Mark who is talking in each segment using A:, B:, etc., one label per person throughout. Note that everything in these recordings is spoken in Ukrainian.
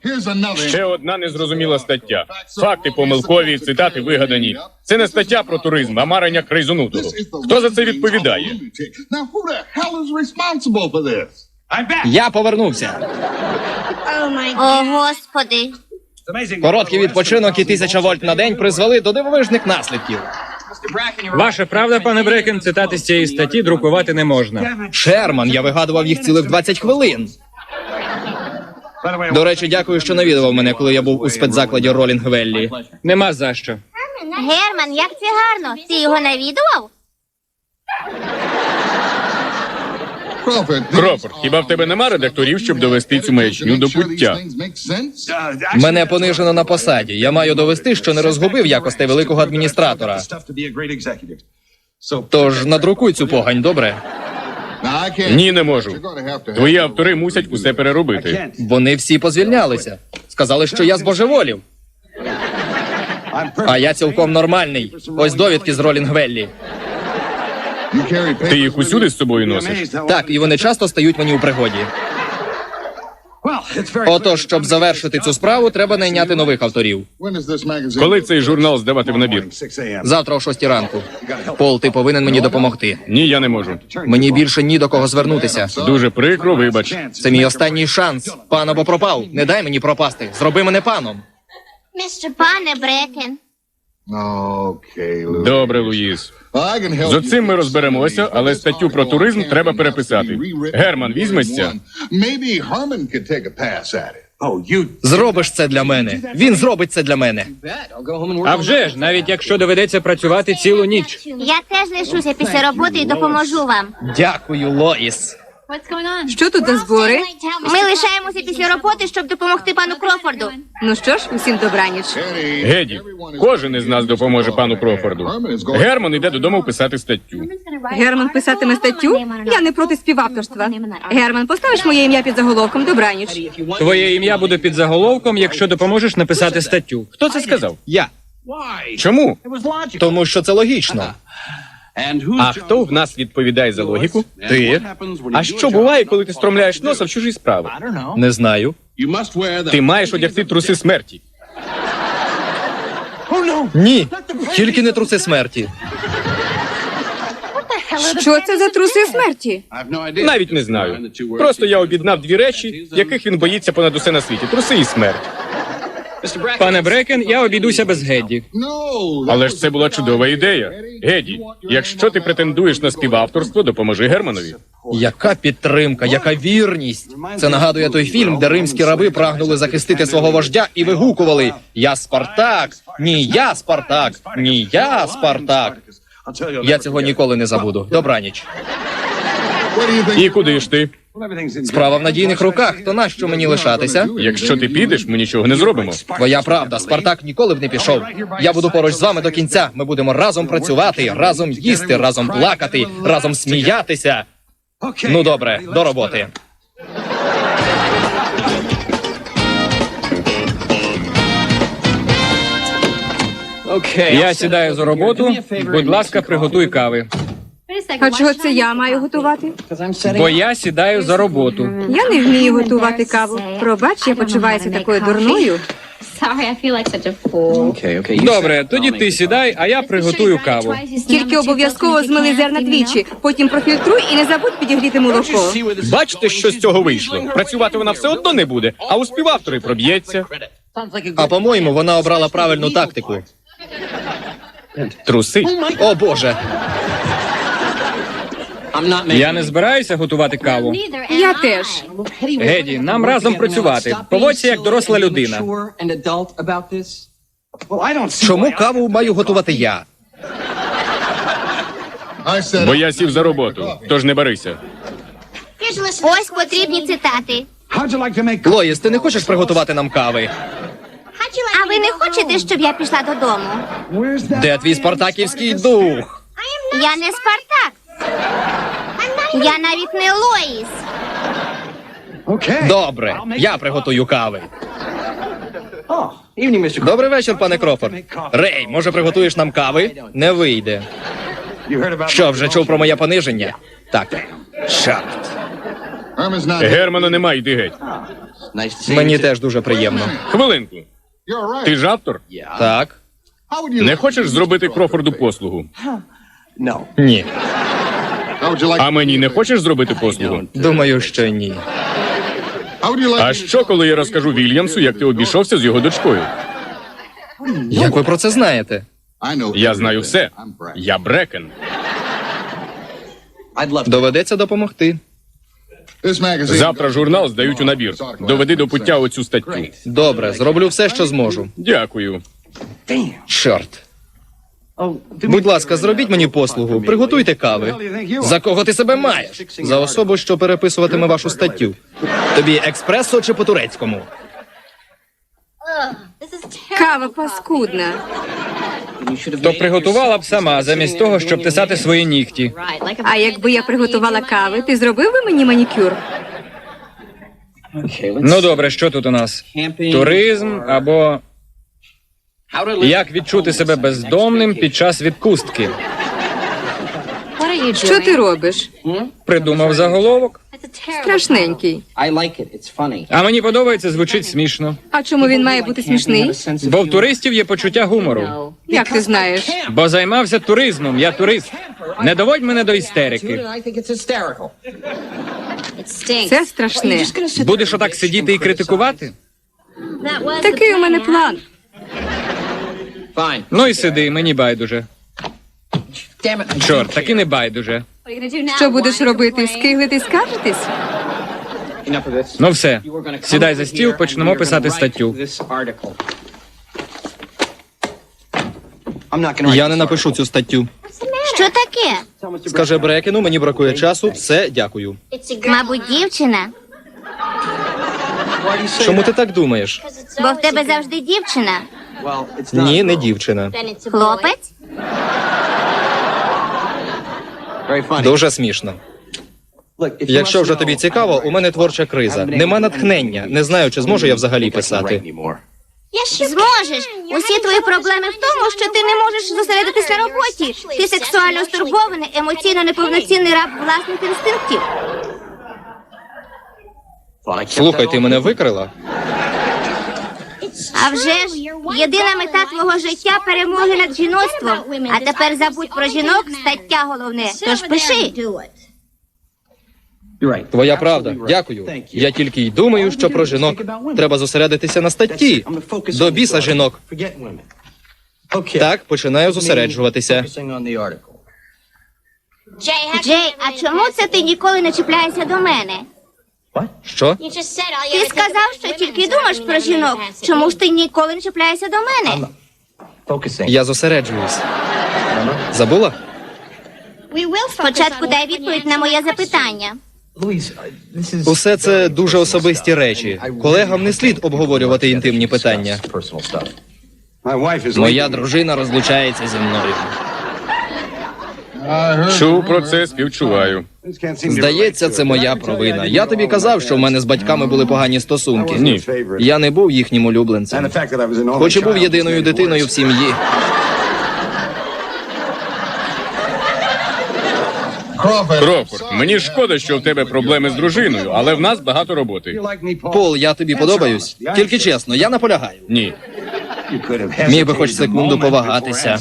A: Ще одна незрозуміла стаття. Факти помилкові, цитати вигадані. Це не стаття про туризм, а марення крайзонутого. Хто за це відповідає?
B: Я повернувся.
C: О, Господи.
B: Короткий відпочинок і 1000 вольт на день призвели до дивовижних наслідків.
D: Ваша правда, пане Брекен, цитати з цієї статті друкувати не можна.
B: Шерман, я вигадував їх цілих 20 хвилин. До речі, дякую, що навідував мене, коли я був у спецзакладі Ролінг-Веллі.
D: Нема за що.
C: Герман, як це гарно. Ти його навідував?
A: Крофорд, хіба в тебе нема редакторів, щоб довести цю маячню до пуття?
B: Мене понижено на посаді. Я маю довести, що не розгубив якостей великого адміністратора. Тож надрукуй цю погань, добре?
A: Ні, не можу. Твої автори мусять усе переробити.
B: Вони всі позвільнялися. Сказали, що я збожеволів. А я цілком нормальний. Ось довідки з Ролінг-Веллі.
A: Ти їх усюди з собою носиш?
B: Так, і вони часто стають мені у пригоді. Отож, щоб завершити цю справу, треба найняти нових авторів.
A: Коли цей журнал здавати в набір?
B: Завтра о 6 ранку. Пол, ти повинен мені допомогти.
A: Ні, я не можу.
B: Мені більше ні до кого звернутися.
A: Дуже прикро, вибач.
B: Це мій останній шанс. Пан або пропав. Не дай мені пропасти. Зроби мене паном.
C: Пане Брекен.
A: Добре, Луїс. З оцим ми розберемося, але статтю про туризм треба переписати. Герман візьметься?
B: Зробиш це для мене. Він зробить це для мене.
D: А вже ж, навіть якщо доведеться працювати цілу ніч.
C: Я теж лишуся після роботи і допоможу вам.
B: Дякую, Лоїс.
E: Що тут за збори?
C: Ми лишаємося після роботи, щоб допомогти пану Крофорду.
E: Ну що ж, усім добраніч.
A: Геді, кожен із нас допоможе пану Крофорду. Герман йде додому писати статтю.
E: Герман писатиме статтю? Я не проти співавторства. Герман, поставиш моє ім'я під заголовком «Добраніч».
D: Твоє ім'я буде під заголовком, якщо допоможеш написати статтю.
A: Хто це сказав?
B: Я.
A: Чому?
B: Тому що це логічно.
A: А хто в нас відповідає за логіку? Ти. А що буває, коли ти стромляєш носа в чужі справи?
B: Не знаю.
A: Ти маєш одягти труси смерті.
B: Ні, тільки не труси смерті.
E: Що це за труси смерті?
A: Навіть не знаю. Просто я об'єднав дві речі, яких він боїться понад усе на світі. Труси і смерть.
D: Пане Брекен, я обійдуся без Гедді.
A: Але ж це була чудова ідея. Геді, якщо ти претендуєш на співавторство, допоможи Германові.
B: Яка підтримка, яка вірність. Це нагадує той фільм, де римські раби прагнули захистити свого вождя і вигукували «Я Спартак! Ні, я Спартак! Ні, я Спартак!» Я цього ніколи не забуду. Добраніч.
A: І куди ж ти?
B: Справа в надійних руках, то нащо мені лишатися?
A: Якщо ти підеш, ми нічого не зробимо.
B: Твоя правда, Спартак ніколи б не пішов. Я буду поруч з вами до кінця. Ми будемо разом працювати, разом їсти, разом плакати, разом сміятися. Ну добре, до роботи.
D: Я сідаю за роботу. Будь ласка, приготуй кави.
E: А чого це я маю готувати?
D: Бо я сідаю за роботу.
E: Я не вмію готувати каву. Пробач, я почуваюся такою дурною.
D: Добре, тоді ти сідай, а я приготую каву.
E: Тільки обов'язково змили зерна двічі, потім профільтруй і не забудь підігріти молоко.
A: Бачите, що з цього вийшло? Працювати вона все одно не буде, а у співавтори проб'ється.
B: А по-моєму, вона обрала правильну тактику.
A: Труси.
B: О, Боже.
D: Я не збираюся готувати каву.
E: Я теж.
D: Геді, нам разом працювати. Поводься як доросла людина.
B: Чому каву маю готувати я?
A: Бо я сів за роботу, тож не барися.
C: Ось потрібні цитати.
B: Лоїс, ти не хочеш приготувати нам кави?
C: А ви не хочете, щоб я пішла додому?
B: Де твій спартаківський дух?
C: Я не Спартак. Я навіть не Лоїс.
B: Добре, я приготую кави. Добрий вечір, пане Крофорд. Рей, може приготуєш нам кави? Не вийде. Що, вже чув про моє пониження? Так. Чорт.
A: Германа нема, йди геть.
B: Мені теж дуже приємно.
A: Хвилинку. Ти ж автор?
B: Так?
A: Не хочеш зробити Крофорду послугу?
B: Ні.
A: А мені не хочеш зробити послугу?
B: Думаю, що ні.
A: А що, коли я розкажу Вільямсу, як ти обійшовся з його дочкою?
B: Як ви про це знаєте?
A: Я знаю все. Я Брекен.
B: Доведеться допомогти.
A: Завтра журнал здають у набір. Доведи до пуття оцю статтю.
B: Добре, зроблю все, що зможу.
A: Дякую.
B: Чорт. Будь ласка, зробіть мені послугу. Приготуйте кави. За кого ти себе маєш? За особу, що переписуватиме вашу статтю. Тобі експресо чи по-турецькому?
E: Кава паскудна.
D: То приготувала б сама, замість того, щоб писати свої нігті.
E: А якби я приготувала кави, ти зробив би мені манікюр?
D: Ну добре, що тут у нас? Туризм або як відчути себе бездомним під час відпустки?
E: Що ти робиш?
D: Придумав заголовок.
E: Страшненький.
D: А мені подобається, звучить смішно.
E: А чому він має бути смішний?
D: Бо в туристів є почуття гумору.
E: Як ти знаєш?
D: Бо займався туризмом, я турист. Не доводь мене до істерики.
E: Це страшне.
D: Будеш отак сидіти і критикувати?
E: Такий у мене план.
D: Ну і сиди, мені байдуже. Чорт, таки не байдуже.
E: Що будеш робити? Скиглити, скаржитись?
D: Ну все, сідай за стіл, почнемо писати статтю.
B: Я не напишу цю статтю.
C: Що таке?
B: Скаже Брекену, мені бракує часу. Все, дякую.
C: Мабуть, дівчина.
B: Чому ти так думаєш?
C: Бо в тебе завжди дівчина.
B: Ні, не дівчина.
C: Хлопець?
B: Дуже смішно. Якщо вже тобі цікаво, у мене творча криза. Нема натхнення. Не знаю, чи зможу я взагалі писати.
C: Зможеш. Усі твої проблеми в тому, що ти не можеш зосередитись на роботі. Ти сексуально стурбований, емоційно неповноцінний раб власних інстинктів.
B: Слухай, ти мене викрила?
C: А вже ж, єдина мета твого життя – перемоги над жіноцтвом. А тепер забудь про жінок, стаття головне. Тож пиши.
B: Твоя правда. Дякую. Я тільки й думаю, що про жінок. Треба зосередитися на статті. До біса жінок. Так, починаю зосереджуватися.
C: Джей, а чому це ти ніколи не чіпляєшся до мене?
B: Що?
C: Ти сказав, що тільки думаєш про жінок. Чому ж ти ніколи не чіпляєшся до мене?
B: Я зосереджуюсь. Забула?
C: Спочатку дай відповідь на моє запитання.
B: Усе це дуже особисті речі. Колегам не слід обговорювати інтимні питання. Моя дружина розлучається зі мною.
A: Чув про це, співчуваю.
B: Здається, це моя провина. Я тобі казав, що в мене з батьками були погані стосунки.
A: Ні.
B: Я не був їхнім улюбленцем. Хоч і був єдиною дитиною в сім'ї.
A: Крофорд, мені шкода, що в тебе проблеми з дружиною, але в нас багато роботи.
B: Пол, я тобі подобаюсь? Тільки чесно, я наполягаю.
A: Ні.
B: Міг би хоч секунду повагатися.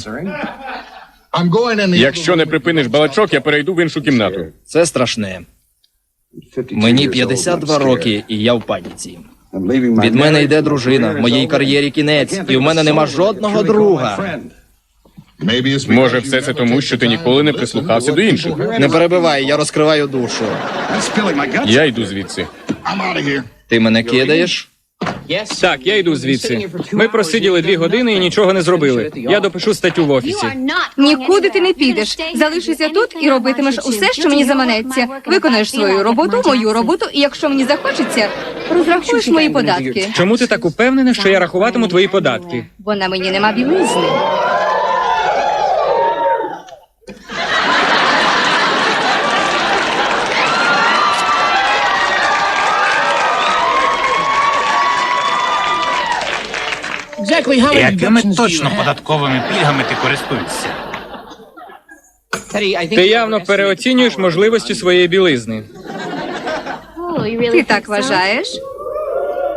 A: Якщо не припиниш балачок, я перейду в іншу кімнату.
B: Це страшне. Мені 52 роки, і я в паніці. Від мене йде дружина, моїй кар'єрі кінець, і в мене нема жодного друга.
A: Може, все це тому, що ти ніколи не прислухався до інших.
B: Не перебивай, я розкриваю душу.
A: Я йду звідси.
B: Ти мене кидаєш?
D: Так, я йду звідси. Ми просиділи 2 години і нічого не зробили. Я допишу статтю в офісі.
E: Нікуди ти не підеш. Залишишся тут і робитимеш усе, що мені заманеться. Виконаєш свою роботу, мою роботу, і якщо мені захочеться, розрахуєш мої податки.
D: Чому ти так упевнена, що я рахуватиму твої податки?
E: Бо на мені нема білизни.
F: Якими точно податковими пільгами ти користуєшся?
D: Ти явно переоцінюєш можливості своєї білизни.
E: Ти так вважаєш?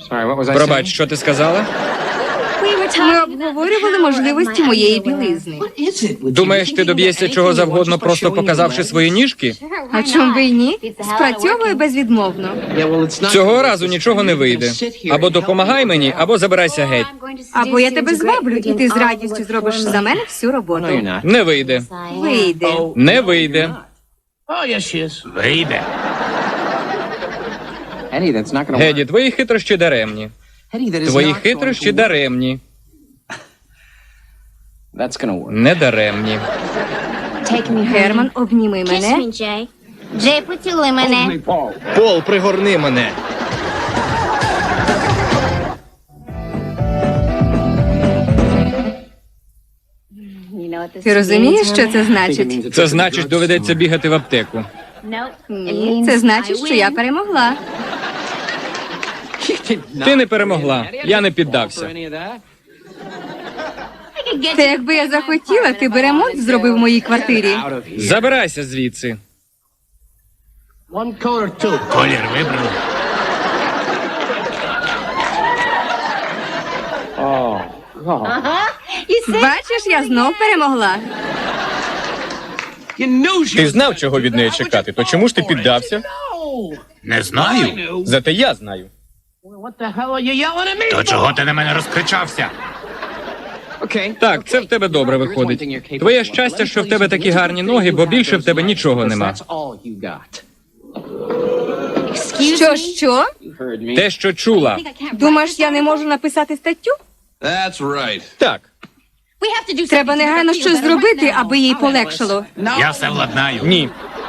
D: Пробач, що ти сказала?
E: Ми обговорювали можливості моєї білизни.
D: Думаєш, ти доб'єшся чого завгодно, просто показавши свої ніжки?
E: А чому ви й ні? Спрацьовує безвідмовно.
D: Цього разу нічого не вийде. Або допомагай мені, або забирайся геть.
E: Або я тебе зваблю, і ти з радістю зробиш за мене всю роботу.
D: Не вийде.
E: Вийде.
D: Не вийде.
F: Вийде.
D: Геді, твої хитрощі даремні. Твої хитрощі даремні. Не даремні.
E: Герман, обніми мене.
C: Джей. Джей, поцілуй мене.
B: Пол, пригорни мене.
E: Ти розумієш, що це значить?
D: Це значить, доведеться бігати в аптеку.
E: Ні, це значить, що я перемогла.
D: Ти не перемогла. Я не піддався.
E: Та якби я захотіла, ти би ремонт зробив в моїй квартирі.
D: Забирайся звідси.
F: Колір вибрали.
E: Бачиш, я знов перемогла.
A: Ти знав, чого від неї чекати, то чому ж ти піддався?
F: Не знаю.
A: Зате я знаю.
F: То чого ти на мене розкричався?
D: Так, це в тебе добре виходить. Твоє щастя, що в тебе такі гарні ноги, бо більше в тебе нічого нема.
E: Що?
D: Те, що чула.
E: Думаєш, я не можу написати статтю?
A: Так,
E: Треба негайно щось зробити, аби їй полегшало.
F: Я все владнаю.
A: ні.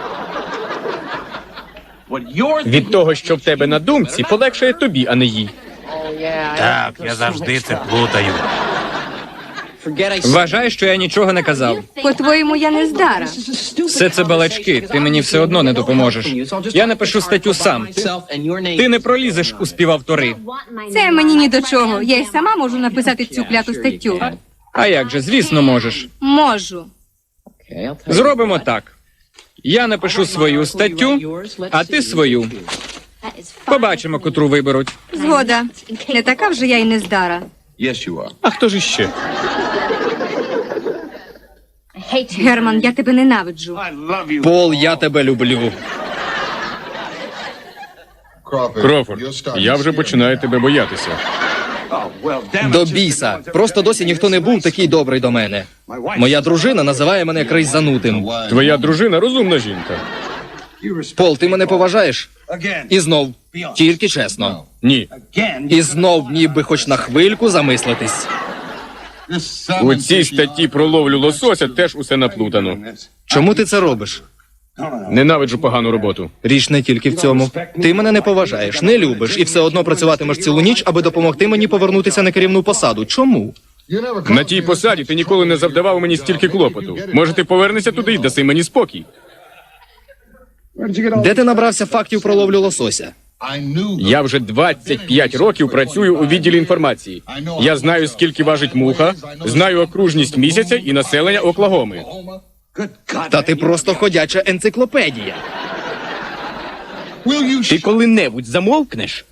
A: Від того, що в тебе на думці, полегшає тобі, а не їй.
F: Так, я завжди це плутаю.
D: Вважай, що я нічого не казав.
E: По-твоєму, я не здара.
D: Все це балачки, ти мені все одно не допоможеш. Я напишу статтю сам. Ти не пролізеш у співавтори.
E: Це мені ні до чого. Я й сама можу написати цю кляту статтю.
D: А як же, звісно, можеш.
E: Можу.
D: Зробимо так. Я напишу свою статтю, а ти свою. Побачимо, котру виберуть.
E: Згода. Не така вже я й не здара.
A: А хто ж іще?
E: Герман, я тебе ненавиджу.
B: Пол, я тебе люблю.
A: Крофорд, я вже починаю тебе боятися.
B: До біса. Просто досі ніхто не був такий добрий до мене. Моя дружина називає мене крейзанутим.
A: Твоя дружина розумна жінка.
B: Пол, ти мене поважаєш? І знов. Тільки чесно.
A: Ні.
B: І знов ніби хоч на хвильку замислитись.
A: У цій статті про ловлю лосося теж усе наплутано.
B: Чому ти це робиш?
A: Ненавиджу погану роботу.
B: Річ не тільки в цьому. Ти мене не поважаєш, не любиш і все одно працюватимеш цілу ніч, аби допомогти мені повернутися на керівну посаду. Чому?
A: На тій посаді ти ніколи не завдавав мені стільки клопоту. Може, ти повернешся туди і даси мені спокій?
B: Де ти набрався фактів про ловлю лосося?
A: Я вже 25 років працюю у відділі інформації. Я знаю, скільки важить муха, знаю окружність місяця і населення Оклагоми.
B: Та ти просто ходяча енциклопедія.
A: Ти коли-небудь замовкнеш?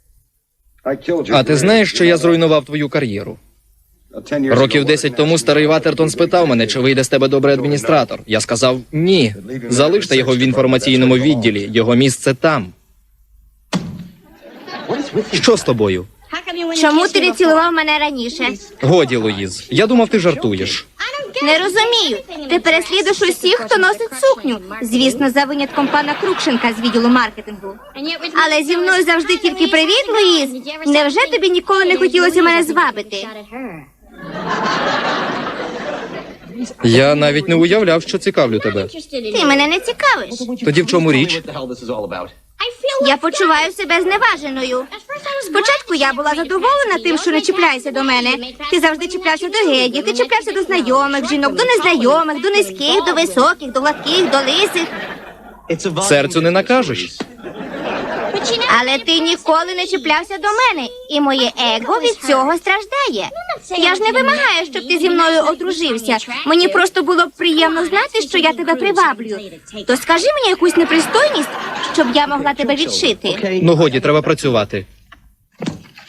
B: А ти знаєш, що я зруйнував твою кар'єру? Років 10 тому старий Ватертон спитав мене, чи вийде з тебе добрий адміністратор. Я сказав ні. Залиште його в інформаційному відділі. Його місце там. Що з тобою?
C: Чому ти не цілував мене раніше?
B: Годі, Луїз. Я думав, ти жартуєш.
C: Не розумію. Ти переслідуєш усіх, хто носить сукню. Звісно, за винятком пана Крукшенка з відділу маркетингу. Але зі мною завжди тільки привіт, Луїз. Невже тобі ніколи не хотілося мене звабити?
B: Я навіть не уявляв, що цікавлю тебе.
C: Ти мене не цікавиш.
B: Тоді в чому річ?
C: Я почуваю себе зневаженою. Спочатку я була задоволена тим, що не чіпляєшся до мене. Ти завжди чіплявся до Геді, ти чіплявся до знайомих жінок, до незнайомих, до низьких, до високих, до гладких, до лисих.
B: Серцю не накажеш.
C: Але ти ніколи не чіплявся до мене, і моє его від цього страждає. Я ж не вимагаю, щоб ти зі мною одружився. Мені просто було б приємно знати, що я тебе приваблюю. То скажи мені якусь непристойність, щоб я могла тебе відшити.
B: Ну годі, треба працювати.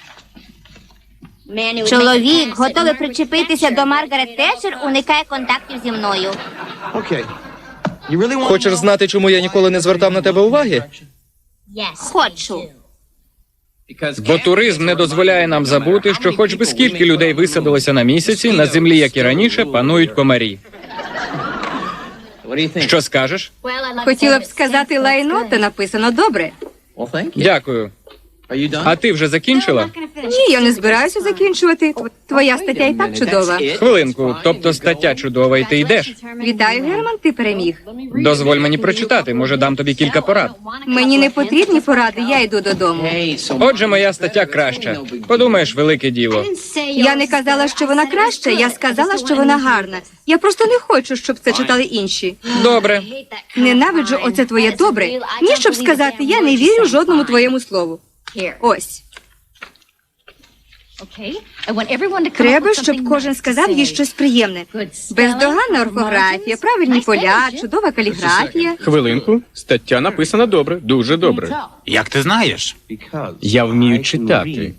C: Чоловік, готовий причепитися до Маргарет Тетчер, уникає контактів зі мною.
B: Хочеш знати, чому я ніколи не звертав на тебе уваги?
C: Хочу.
D: Бо туризм не дозволяє нам забути, що хоч би скільки людей висадилося на місяці, на землі, як і раніше, панують комарі. Що скажеш?
E: Хотіла б сказати лайно, та написано добре.
D: Дякую. А ти вже закінчила?
E: Ні, я не збираюся закінчувати. Твоя стаття і так чудова.
D: Хвилинку, тобто стаття чудова, і ти йдеш.
E: Вітаю, Герман, ти переміг.
D: Дозволь мені прочитати, може дам тобі кілька порад.
E: Мені не потрібні поради, я йду додому.
D: Отже, моя стаття краща. Подумаєш, велике діло.
E: Я не казала, що вона краща, я сказала, що вона гарна. Я просто не хочу, щоб це читали інші.
D: Добре.
E: Ненавиджу оце твоє добре. Ні, щоб сказати, я не вірю жодному твоєму слову. Ось. Треба, щоб кожен сказав їй щось приємне. Бездоганна орфографія, правильні поля, чудова каліграфія.
A: Хвилинку. Стаття написана добре, дуже добре.
F: Як ти знаєш?
A: Я вмію читати.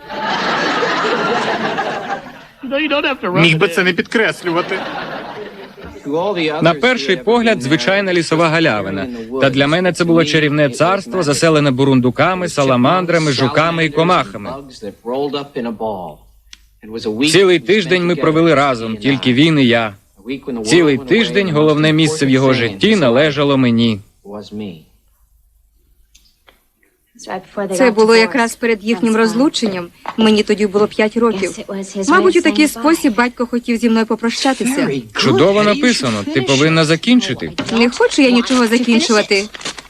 F: Міг би це не підкреслювати.
D: На перший погляд, звичайна лісова галявина. Та для мене це було чарівне царство, заселене бурундуками, саламандрами, жуками і комахами. Цілий тиждень ми провели разом, тільки він і я. Цілий тиждень головне місце в його житті належало мені.
E: Це було якраз перед їхнім розлученням. Мені тоді було 5 років. Мабуть, у такий спосіб батько хотів зі мною попрощатися.
D: Чудово написано. Ти повинна закінчити.
E: Не хочу я нічого закінчувати.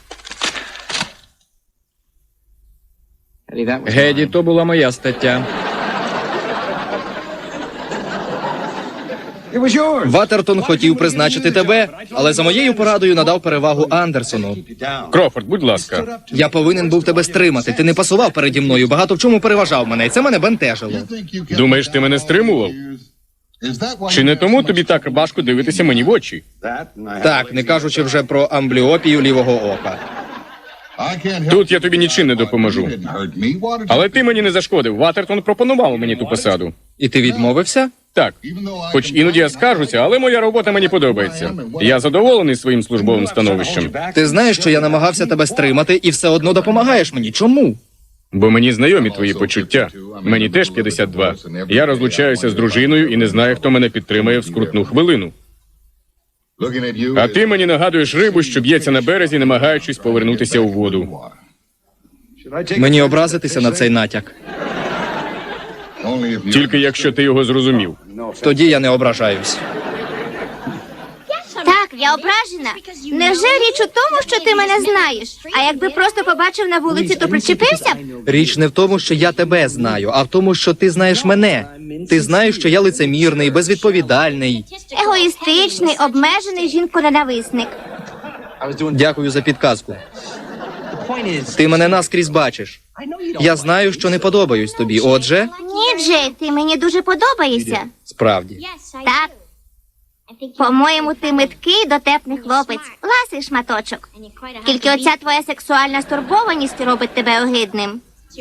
D: Геді, то була моя стаття.
B: Ватертон хотів призначити тебе, але за моєю порадою надав перевагу Андерсону.
A: Крофорд, будь ласка.
B: Я повинен був тебе стримати. Ти не пасував переді мною, багато в чому переважав мене, і це мене бентежило.
A: Думаєш, ти мене стримував? Чи не тому тобі так важко дивитися мені в очі?
B: Так, не кажучи вже про амбліопію лівого ока.
A: Тут я тобі нічим не допоможу. Але ти мені не зашкодив. Ватертон пропонував мені ту посаду.
B: І ти відмовився?
A: Так, хоч іноді я скаржуся, але моя робота мені подобається. Я задоволений своїм службовим становищем.
B: Ти знаєш, що я намагався тебе стримати і все одно допомагаєш мені. Чому?
A: Бо мені знайомі твої почуття. Мені теж 52. Я розлучаюся з дружиною і не знаю, хто мене підтримає в скрутну хвилину. А ти мені нагадуєш рибу, що б'ється на березі, намагаючись повернутися у воду.
B: Мені образитися на цей натяк.
A: Тільки якщо ти його зрозумів.
B: Тоді я не ображаюсь.
C: Так, я ображена. Невже річ у тому, що ти мене знаєш? А якби просто побачив на вулиці, то причепився б?
B: Річ не в тому, що я тебе знаю, а в тому, що ти знаєш мене. Ти знаєш, що я лицемірний, безвідповідальний.
C: Егоїстичний, обмежений жінконенависник.
B: Дякую за підказку. Ти мене наскрізь бачиш. Я знаю, що не подобаюсь тобі. Отже,
C: Ні, Джей, ти мені дуже подобаєшся.
B: справді.
C: Так. По-моєму, ти миткий, дотепний хлопець. Ласий шматочок. Тільки оця твоя сексуальна стурбованість робить тебе огидним.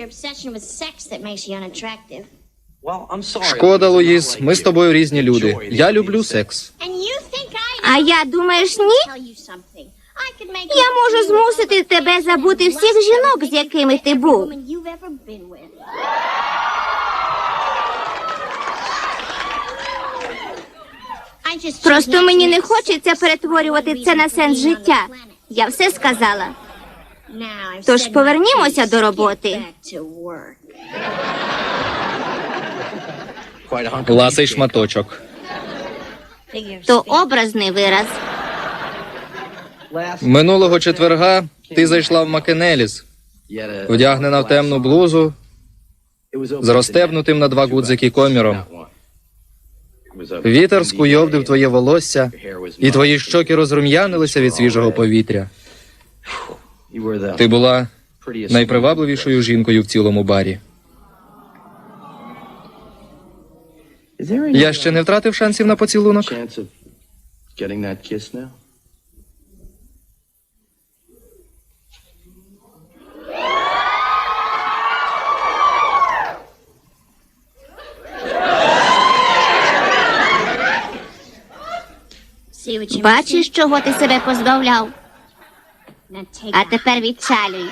B: Шкода, Луїс, ми з тобою різні люди. Я люблю секс.
C: А я, думаєш, ні? Я можу змусити тебе забути всіх жінок, з якими ти був. Просто мені не хочеться перетворювати це на сенс життя. Я все сказала. Тож повернімося до роботи.
B: Ласий шматочок.
C: То образний вираз.
B: Минулого четверга ти зайшла в Макенеліс, вдягнена в темну блузу, з розстебнутим на 2 гудзики коміром. Вітер скуйовдив твоє волосся, і твої щоки розрум'янилися від свіжого повітря. Ти була найпривабливішою жінкою в цілому барі. Я ще не втратив шансів на поцілунок.
C: Бачиш, чого ти себе позбавляв? А тепер відчалюй.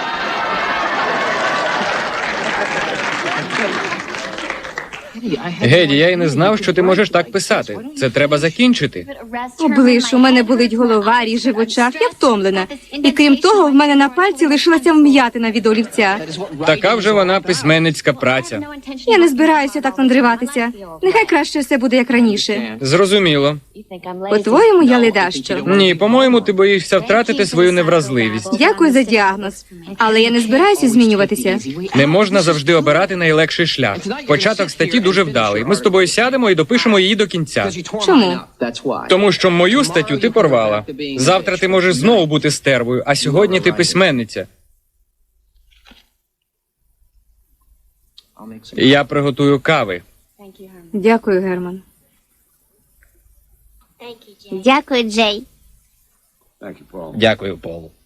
D: Геді, я й не знав, що ти можеш так писати. Це треба закінчити.
E: Облиш, у мене болить голова, ріже в очах, я втомлена. І крім того, в мене на пальці лишилася вм'ятина від олівця.
D: Така вже вона письменницька праця.
E: Я не збираюся так надриватися. Нехай краще все буде як раніше.
D: Зрозуміло.
E: По-твоєму, я ледащо.
D: Ні, по-моєму, ти боїшся втратити свою невразливість.
E: Дякую за діагноз. Але я не збираюся змінюватися.
D: Не можна завжди обирати найлегший шлях. Початок статті дуже вдалий. Ми з тобою сядемо і допишемо її до кінця.
E: Чому?
D: Тому що мою статтю ти порвала. Завтра ти можеш знову бути стервою, а сьогодні ти письменниця. Я приготую кави.
E: Дякую, Герман.
C: Дякую, Джей.
B: Дякую, Пол.